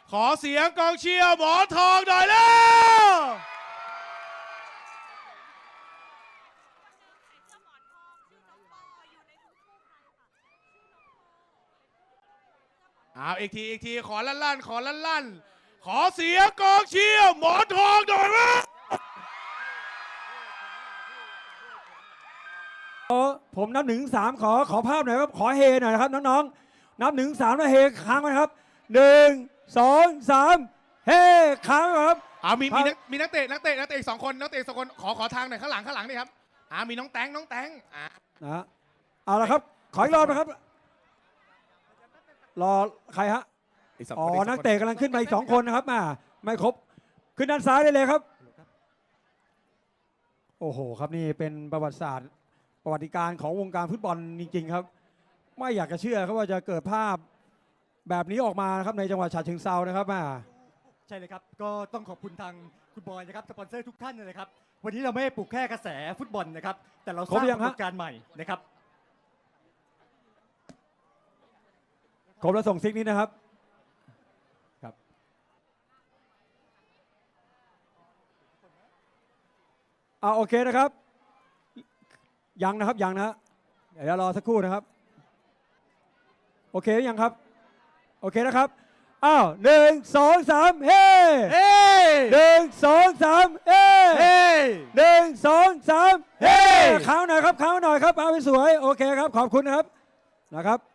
ขอเสียงกองเชียร์หมอนทองหน่อยแล้ว เอาอีกทีขอลั่นขอลั่นขอเสียงกองเชียร์หมอนทองหน่อยนะผมนับ1 ถึง 3ขอภาพหน่อยครับขอเฮหน่อยนะครับน้องๆนับ1 ถึง 3แล้วเฮค้างไว้ครับ1 2 3เฮค้างไว้ครับมีนักเตะอีก2 คนขอทางหน่อยข้างหลังนี่ครับมีน้องแตงนะเอาละครับขออีกรอบนะครับรอใครฮะอ๋อนักเตะกำลังขึ้นมาอีก2 คนนะครับไม่ครบขึ้นด้านซ้ายได้เลยครับโอ้โหครับนี่เป็นประวัติศาสตร์ประวัติการของวงการฟุตบอลจริงๆครับไม่อยากจะเชื่อครับว่าจะเกิดภาพแบบนี้ออกมานะครับในจังหวัดฉะเชิงเทรานะครับใช่เลยครับก็ต้องขอบคุณทางคุณบอยนะครับสปอนเซอร์ทุกท่านเลยนะครับวันนี้เราไม่ได้ปลุกแค่กระแสฟุตบอลนะครับแต่เราสร้างปรากฏการณ์ใหม่นะครับครบแล้วส่งซิกนี้นะครับครับโอเคนะครับยังนะครับยังนะเดี๋ยวรอสักครู่นะครับโอเคหรือยังครับโอเคนะครับ1 2 3เฮ้1 2 3เฮ้1 2 3เฮ้ค้างหน่อยครับค้างหน่อยครับเอาไปสวยโอเคครับขอบคุณนะครับ